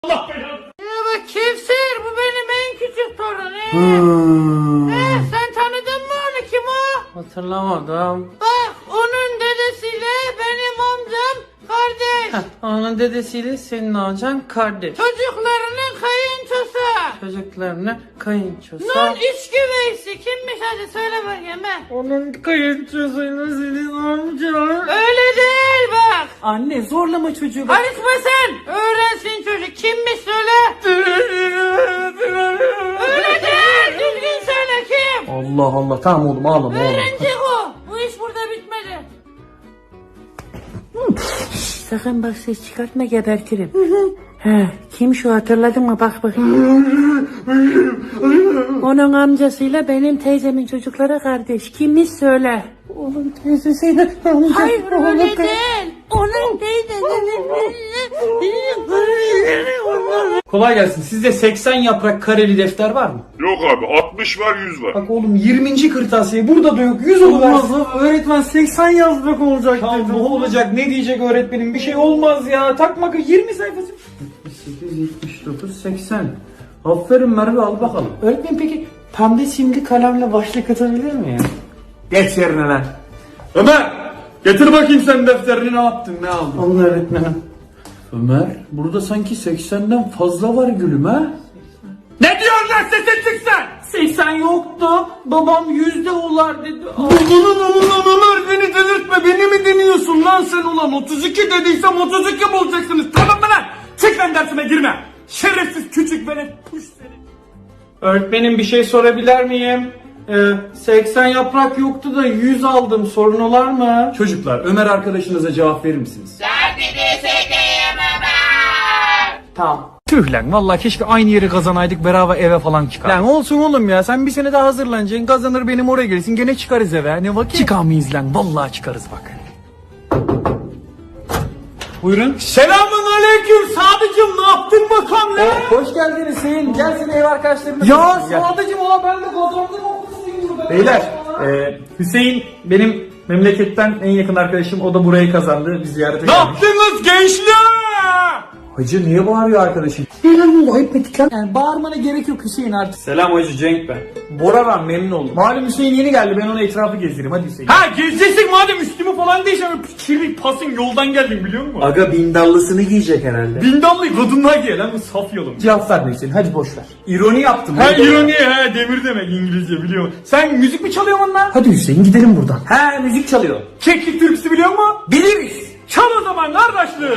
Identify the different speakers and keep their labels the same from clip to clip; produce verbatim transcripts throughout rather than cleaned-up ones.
Speaker 1: Allah belanı.
Speaker 2: Ya bak Kevser, bu benim en küçük torunum.
Speaker 3: Hmm.
Speaker 2: He, sen tanıdın mı onu, kim o?
Speaker 3: Hatırlamadım.
Speaker 2: Bak onun dedesiyle benim amcam kardeş.
Speaker 3: Heh, onun dedesiyle senin amcan kardeş.
Speaker 2: Çocuklarının kayınçosu.
Speaker 3: Çocuklarına kayınçosu.
Speaker 2: Nun üç güveysi kimmiş, hadi söyle bakayım he.
Speaker 3: Onun kayınçosuyla senin amcan.
Speaker 2: Öyle değil bak.
Speaker 3: Anne zorlama çocuğu bak.
Speaker 2: Karışma sen. Öğrensin çocuk, kimmiş söyle. Öyle değil, düzgün söyle kim.
Speaker 3: Allah Allah, tamam oğlum ağlama oğlum.
Speaker 2: Öğrenecek o. Bu iş burada bitmedi. Sakın bak ses çıkartma, gebertirim. He, kim şu, hatırladın mı, bak bakayım. Onun amcasıyla benim teyzemin çocukları kardeş. Kimmiş söyle.
Speaker 3: Onun teyzesiyle amca.
Speaker 2: Hayır öyle değil. Onun teyzesinin.
Speaker 1: Kolay gelsin. Sizde seksen yaprak kareli defter var mı?
Speaker 4: Yok abi altmış var yüz var.
Speaker 1: Bak oğlum yirminci kırtasiye burada da yok. yüz oluversin.
Speaker 3: Olmaz, öğretmen seksen yazmak olacak
Speaker 1: Ya
Speaker 3: dedi.
Speaker 1: ne olacak, ne diyecek öğretmenim, bir şey olmaz ya. Takma, yirmi sayfası.
Speaker 3: yetmiş sekiz, yetmiş dokuz, seksen. Aferin Merve, al bakalım.
Speaker 1: Öğretmenim peki pembe simli kalemle başlık atabilir mi ya?
Speaker 3: Geç yerine lan.
Speaker 1: Ömer! Getir bakayım sen defterini, ne yaptın, ne aldın?
Speaker 3: Alın öğretmenim.
Speaker 1: Ömer, burada sanki seksenden fazla var gülüm ha? Ne diyorsun lan, sesin çıksın?
Speaker 3: seksen yoktu. Babam yüzde olar dedi.
Speaker 1: Ulan ulan Ömer, beni delirtme, beni mi deniyorsun lan sen ulan? otuz iki dediysem otuz iki bulacaksınız, tamam mı lan? Çık lan, dersime girme. Şerefsiz küçük velet, puş seni. Öğretmenim bir şey sorabilir miyim? Ee, seksen yaprak yoktu da yüz aldım, sorun olar mı? Çocuklar, Ömer arkadaşınıza cevap verir misiniz?
Speaker 3: Tamam.
Speaker 1: Tüh lan, vallahi keşke aynı yeri kazanaydık, beraber eve falan çıkar. Lan olsun oğlum ya, sen bir sene daha hazırlanacaksın, kazanır benim oraya gelirsin, gene çıkarız eve, ne vakit? Çıkamayız lan, vallahi çıkarız bak. Buyurun. Selamun aleyküm Sadıcım, ne yaptın bakalım lan?
Speaker 3: Hoş geldin Hüseyin. Gel seni ev arkadaşlarına.
Speaker 1: Ya Sadıcım, ola ben de kazandım okulsuyum burada. Beyler, e, Hüseyin benim memleketten en yakın arkadaşım, o da burayı kazandı, biz ziyarete geldik. Ne yaptınız gençler? Hacı niye bağırıyor arkadaşım?
Speaker 3: Ne lan bu, ayıp ettik lan. Yani bağırmana gerek yok Hüseyin artık.
Speaker 1: Selam Hacı, Cenk ben. Bora ben, memnun oldum. Malum Hüseyin yeni geldi, ben ona etrafı gezdireyim, hadi Hüseyin. Ha gezeceksin madem, üstümü falan değişen kirli pasın yoldan geldim biliyor musun?
Speaker 3: Aga bindallısını giyecek herhalde.
Speaker 1: Bindallı kadınlar giyer lan, bu saf yolum.
Speaker 3: Cevap verme Hüseyin, hadi boş ver.
Speaker 1: İroni yaptım. Ha ironi, ha demir demek İngilizce biliyor musun? Sen müzik mi çalıyorsun lan?
Speaker 3: Hadi Hüseyin gidelim buradan. He, müzik çalıyor.
Speaker 1: Keklik türküsü biliyor musun?
Speaker 3: Biliriz.
Speaker 1: Çal o zaman kardeşliğim.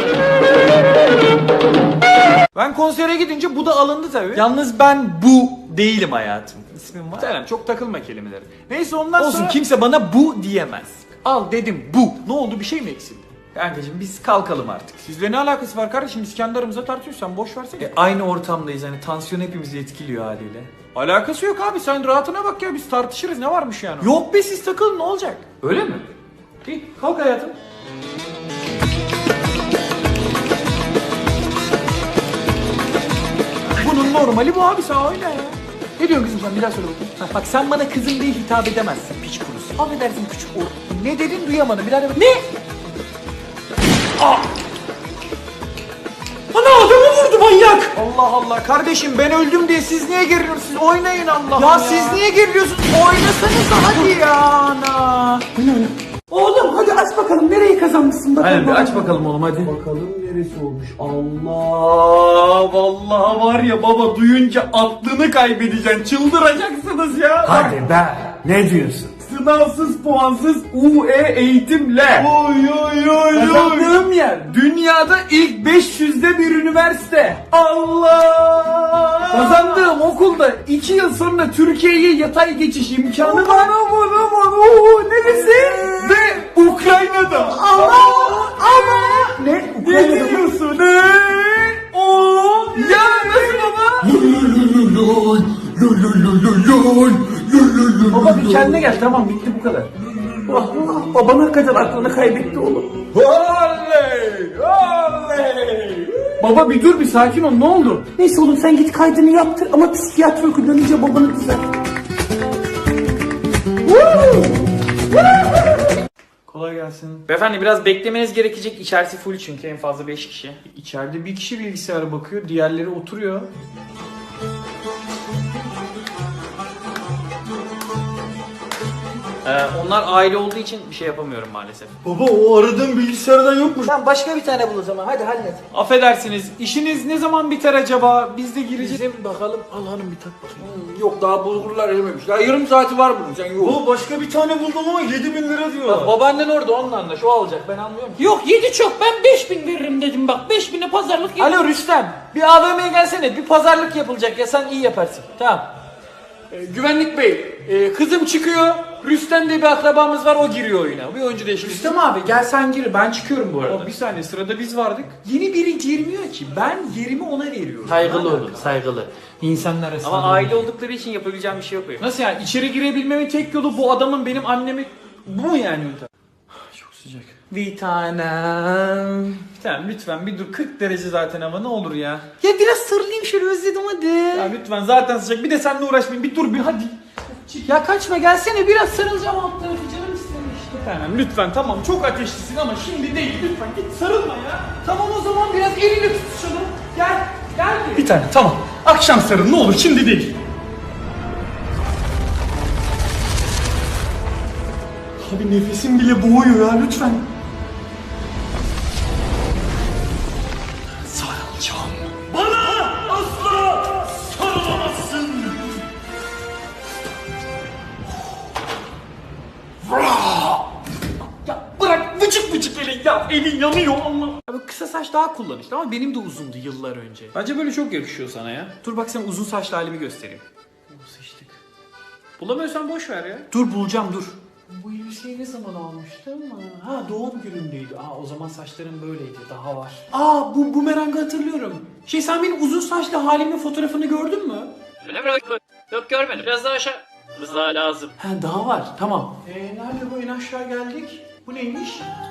Speaker 1: Ben konsere gidince bu da alındı tabii. Yalnız ben bu değilim hayatım. İsmim var. Selam, çok takılma kelimeleri. Neyse ondan
Speaker 5: Olsun,
Speaker 1: sonra...
Speaker 5: kimse bana bu diyemez. Al dedim bu. Ne oldu, bir şey mi eksildi? Kankacığım biz kalkalım artık.
Speaker 1: Sizle ne alakası var kardeşim? Biz kendi aramızda tartışıyoruz, sen boş versene.
Speaker 5: E, aynı ortamdayız, hani tansiyon hepimizi etkiliyor haliyle.
Speaker 1: Alakası yok abi, sen rahatına bak ya, biz tartışırız, ne varmış yani?
Speaker 5: Yok be, siz takılın, ne olacak?
Speaker 1: Öyle mi? İyi, kalk hayatım. Bunun normali bu abi, sen oyna ya. Ne diyorsun kızım sen, bir daha söyle bakayım.
Speaker 5: Ha, bak sen bana kızım diye hitap edemezsin, piç kurusu. Affedersin küçük o. Ne dedin, duyamadım, bir daha de bak. Ne?
Speaker 1: Ana adamı vurdu manyak. Allah Allah kardeşim, ben öldüm diye siz niye geriliyorsunuz? Siz oynayın Allah ya.
Speaker 5: Ya siz niye geriliyorsunuz? Oynasanıza hadi ya ana.
Speaker 3: Oğlum hadi aç bakalım, nereyi kazanmışsın bakalım.
Speaker 1: Hadi bir aç bakalım oğlum, hadi.
Speaker 3: Bakalım neresi olmuş.
Speaker 1: Allah vallahi var ya baba, duyunca aklını kaybedeceksin, çıldıracaksınız ya.
Speaker 3: Hadi be, ne diyorsun?
Speaker 1: Sınavsız puansız U E eğitimle. Oy oy oy
Speaker 3: Kazandığım yer.
Speaker 1: Dünyada ilk beş yüzde bir üniversite. Allah! Kazandığım okulda iki yıl sonra Türkiye'ye yatay geçiş imkanı var. Aman aman ooo, neresi? Ve Ukrayna'da. Allah! Allah!
Speaker 3: Ne?
Speaker 1: Ne diyorsun? Ne? Oo! Ya nasıl baba?
Speaker 3: Baba bir kendine gel, tamam bitti bu kadar. Ah, baban hakikaten aklını kaybetti oğlum.
Speaker 1: Oley! Oley! Baba bir dur, bir sakin ol, ne oldu?
Speaker 3: Neyse oğlum sen git kaydını yaptır ama psikiyatri okuyunca babanı düzelt.
Speaker 5: kolay gelsin.
Speaker 6: Beyefendi biraz beklemeniz gerekecek. İçerisi full çünkü en fazla beş kişi.
Speaker 5: İçeride bir kişi bilgisayara bakıyor, diğerleri oturuyor.
Speaker 6: Ee, onlar aile olduğu için bir şey yapamıyorum maalesef.
Speaker 1: Baba o aradığın bilgisayardan yokmuş.
Speaker 6: Sen başka bir tane bul o zaman. Hadi hallet.
Speaker 5: Affedersiniz, işiniz ne zaman biter acaba? Biz de gireceğiz.
Speaker 6: Bizim bakalım. Al hanım bir tak bakayım.
Speaker 1: Yok daha bulgurlar erimemiş. Ya yarım saati var bunun sen yok. Baba başka bir tane buldum ama yedi bin lira diyorlar.
Speaker 6: Bak babaannen orada onunla anlaş. O alacak. Ben anlıyorum.
Speaker 2: Yok yedi çok ben beş bin veririm dedim bak beş bine pazarlık yap.
Speaker 6: Alo Rüstem. Bir A V M'ye gelsene. Bir pazarlık yapılacak ya. Sen iyi yaparsın. Tamam. Ee, güvenlik bey. e, kızım çıkıyor. Rüstem diye bir akrabamız var. O giriyor oyuna. Bir oyuncu değişikliği.
Speaker 5: Rüstem abi gel sen gir, ben çıkıyorum bu arada. Bir saniye, sırada biz vardık. Yeni biri girmiyor ki, ben yerimi ona veriyorum.
Speaker 6: Saygılı olun. Saygılı.
Speaker 5: İnsanlar arasında.
Speaker 6: Ama aile oldukları için yapabileceğim bir şey yok benim.
Speaker 5: Nasıl yani? İçeri girebilmemin tek yolu bu adamın benim annemi... Bu mu yani yöntem? Çok sıcak.
Speaker 6: Bir tanem.
Speaker 5: Tamam lütfen bir dur, kırk derece zaten hava, ne olur ya.
Speaker 6: Ya biraz sarılayım şöyle, özledim hadi.
Speaker 5: Ya lütfen zaten sıcak, bir de seninle uğraşmayayım, bir dur bir hadi.
Speaker 6: Ya kaçma, gelsene, biraz sarılacağım alt tarafı, canım istemiş.
Speaker 5: Tamam lütfen, tamam çok ateşlisin ama şimdi değil, lütfen git sarılma ya. Tamam o zaman biraz elini tutuşalım. Gel, gel. Bir tane tamam. Akşam sarıl ne olur, şimdi değil. Abi nefesim bile boğuyor ya, lütfen. Sarılacağım. Bana asla sarılamazsın. Ya bırak vıcık vıcık elin ya, elin yanıyor Allah.
Speaker 6: Abi kısa saç daha kullanışlı ama benim de uzundu yıllar önce.
Speaker 5: Bence böyle çok yakışıyor sana ya.
Speaker 6: Dur bak, sen uzun saçlı halimi göstereyim.
Speaker 5: Sıçtık. Bulamıyorsan boş ver ya.
Speaker 6: Dur bulacağım, dur.
Speaker 5: Bu elbiseyi ne zaman almıştım? Ha doğum günündeydi. Aa o zaman saçlarım böyleydi. Daha var.
Speaker 6: Aa bu bumerangı hatırlıyorum. Şey, sen benim uzun saçlı halimin fotoğrafını gördün mü?
Speaker 7: Öyle mi? Yok görmedim. Biraz daha aşağı. Biraz daha lazım.
Speaker 6: Ha daha var, tamam.
Speaker 5: Eee nerede bu, en aşağı geldik? Bu neymiş?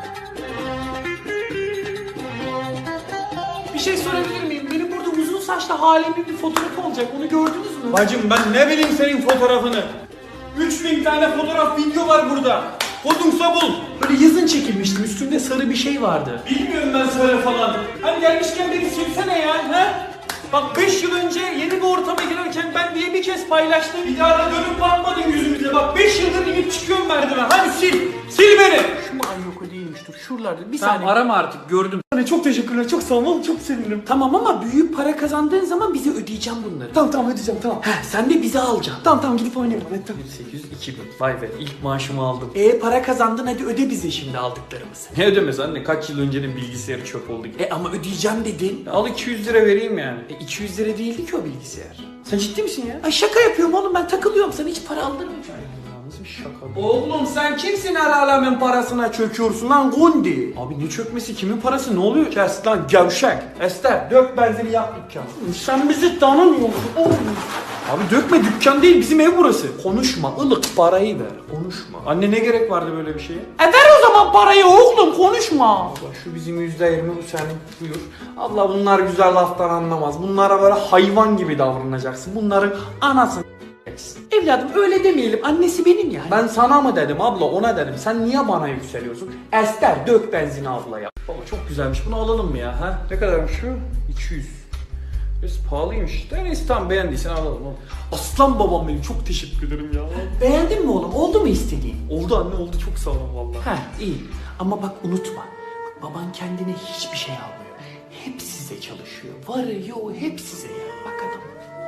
Speaker 6: Bir şey sorabilir miyim? Benim burada uzun saçlı halimin bir fotoğrafı olacak. Onu gördünüz mü?
Speaker 5: Bacım ben ne bileyim senin fotoğrafını. üç bin tane fotoğraf video var burada. Kodumsa bul.
Speaker 6: Böyle yazın çekilmiştim. Üstünde sarı bir şey vardı.
Speaker 5: Bilmiyorum ben söyle falan. Hani gelmişken beni silsene ya. He? Bak beş yıl önce yeni bir ortama girerken ben diye bir kez paylaştım. Bir daha da dönüp bakmadın yüzümüze. Bak beş yıldır inip çıkıyorum merdiven. Hadi sil. Sil beni.
Speaker 6: Şu mu? Ay yok, o değilmiş. Dur şuralarda. Bir
Speaker 5: Tamam
Speaker 6: saniye.
Speaker 5: arama artık, gördüm. Çok teşekkürler, çok sağ ol, çok sevindim.
Speaker 6: Tamam ama büyük para kazandığın zaman bize ödeyeceğim bunları.
Speaker 5: Tamam tamam ödeyeceğim tamam.
Speaker 6: Heh, sen de bize alacaksın.
Speaker 5: Tamam tamam gidip oynayalım. Evet, tamam. sekiz yüz iki bin. Vay be, ilk maaşımı aldım.
Speaker 6: E para kazandın, hadi öde bize şimdi aldıklarımızı.
Speaker 5: Ne ödemesi anne, kaç yıl öncenin bilgisayarı çöp oldu.
Speaker 6: E ama ödeyeceğim dedin.
Speaker 5: Al iki yüz lira vereyim yani.
Speaker 6: E iki yüz lira değildi ki o bilgisayar.
Speaker 5: Sen ciddi misin ya?
Speaker 6: Ay şaka yapıyorum oğlum, ben takılıyorum, sana hiç para aldırmayacağım.
Speaker 5: Nasıl bir şaka bu?
Speaker 1: Oğlum sen kimsin her alemin parasına çöküyorsun lan Gundi?
Speaker 5: Abi ne çökmesi, kimin parası, ne oluyor?
Speaker 1: Kes lan gevşek. Ester dök benzini yak dükkanı. Sen bizi tanımıyorsun oğlum.
Speaker 5: Abi dökme, dükkan değil bizim ev burası.
Speaker 1: Konuşma ılık parayı ver konuşma.
Speaker 5: Anne ne gerek vardı böyle bir şeye?
Speaker 6: E ver o zaman parayı oğlum, konuşma.
Speaker 1: Bak şu bizim yüzde yirmi bu senin buyur. Allah bunlar güzel laftan anlamaz. Bunlara böyle hayvan gibi davranacaksın. Bunların anasını s**eceksin.
Speaker 6: Evladım öyle demeyelim, annesi benim yani.
Speaker 1: Ben sana mı dedim abla ona dedim. Sen niye bana yükseliyorsun? Ester dök benzini ablaya.
Speaker 5: Baba çok güzelmiş, bunu alalım mı ya? Ha? Ne kadarmış şu? iki yüz. Biraz pahalıymış. De neyse tamam, beğendiysen alalım.
Speaker 1: Aslan babam benim çok teşekkür ederim ya.
Speaker 6: Beğendin mi oğlum, oldu mu istediğin?
Speaker 5: Oldu anne, oldu, çok sağ ol vallahi.
Speaker 6: Ha iyi, ama bak unutma, bak, baban kendine hiçbir şey almıyor. Hep size çalışıyor, varı yoğu hep size ya, bak adam.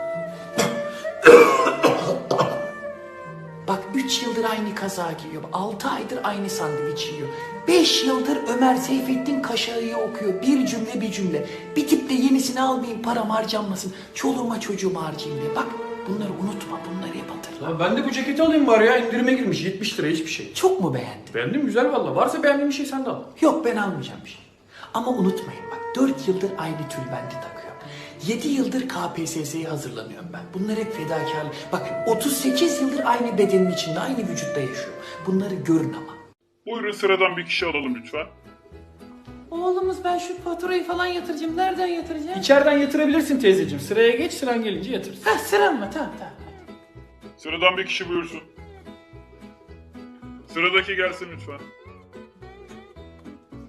Speaker 6: Bak üç yıldır aynı kaza giyiyor, altı aydır aynı sandviç yiyor. beş yıldır Ömer Seyfettin Kaşağı'yı okuyor, bir cümle bir cümle. Bir tip de yenisini almayayım, param harcanmasın, çoluğuma çocuğuma harcayayım diye. Bak bunları unutma, bunları hep hatırla.
Speaker 5: Ya ben de bu ceketi alayım bari ya, indirime girmiş yetmiş lira, hiçbir şey.
Speaker 6: Çok mu beğendin?
Speaker 5: Beğendim, güzel valla. Varsa beğendiğin bir şey sen de al.
Speaker 6: Yok, ben almayacağım bir şey. Ama unutmayın bak, dört yıldır aynı tülbenti takıyorum. yedi yıldır K P S S'ye hazırlanıyorum ben. Bunlar hep fedakarlık. Bak otuz sekiz yıldır aynı bedenin içinde, aynı vücutta yaşıyorum. Bunları görün ama.
Speaker 4: Buyurun sıradan bir kişi alalım lütfen.
Speaker 2: Oğlumuz ben şu faturayı falan yatıracağım. Nereden yatıracağım?
Speaker 5: İçeriden yatırabilirsin teyzeciğim. Sıraya geç, sıran gelince yatırırsın.
Speaker 2: Ha sıram mı? Tamam tamam.
Speaker 4: Sıradan bir kişi buyursun. Sıradaki gelsin lütfen.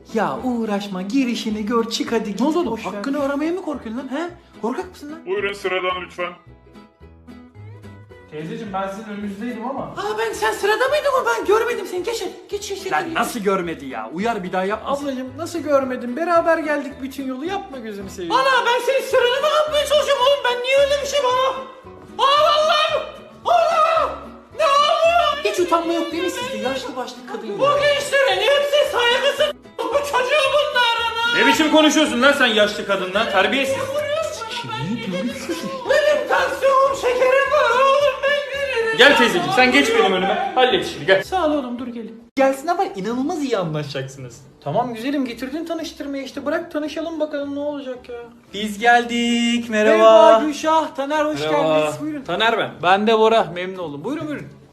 Speaker 5: Ya uğraşma girişini gör çık hadi git. Ne oldu oğlum? Hakkını aramaya mı korkuyorsun lan he? Korkak mısın lan?
Speaker 4: Buyurun sıradan lütfen.
Speaker 5: Teyzeciğim ben sizin önünüzdeydim ama.
Speaker 6: Aa ben sen sırada mıydın o? Ben görmedim seni. Geç geç geç.
Speaker 5: Lan nasıl görmedi ya? Uyar bir daha yapmasın. Ablacığım nasıl görmedin? Beraber geldik bütün yolu yapma gözümü seveyim.
Speaker 6: Ana ben senin sıranı mı yapmaya çalışıyorum oğlum? Ben niye öyle bir şey bana? Aa Allah'ım! Allah! Ne oluyor? Hiç utanma yok değil mi sizde? Yaşlı başlı kadın ya. Bu gençlerin hepsi saygısız. Bu çocuğu bunlar.
Speaker 5: Ne biçim konuşuyorsun lan sen yaşlı kadınla? Terbiyesiz.
Speaker 6: Benim tansiyonum şekerim var oğlum ben gelirim.
Speaker 5: Gel teyzeciğim sen geç benim önüme. Hallet işini gel. Sağ ol oğlum dur gelin. Gelsin ama inanılmaz iyi anlaşacaksınız. Tamam güzelim getirdin tanıştırmaya işte bırak tanışalım bakalım ne olacak ya. Biz geldik merhaba. Merhaba Gülşah, Taner hoş
Speaker 7: Merhaba.
Speaker 5: geldiniz buyurun. Taner ben. Ben de Bora memnun oldum buyurun buyurun.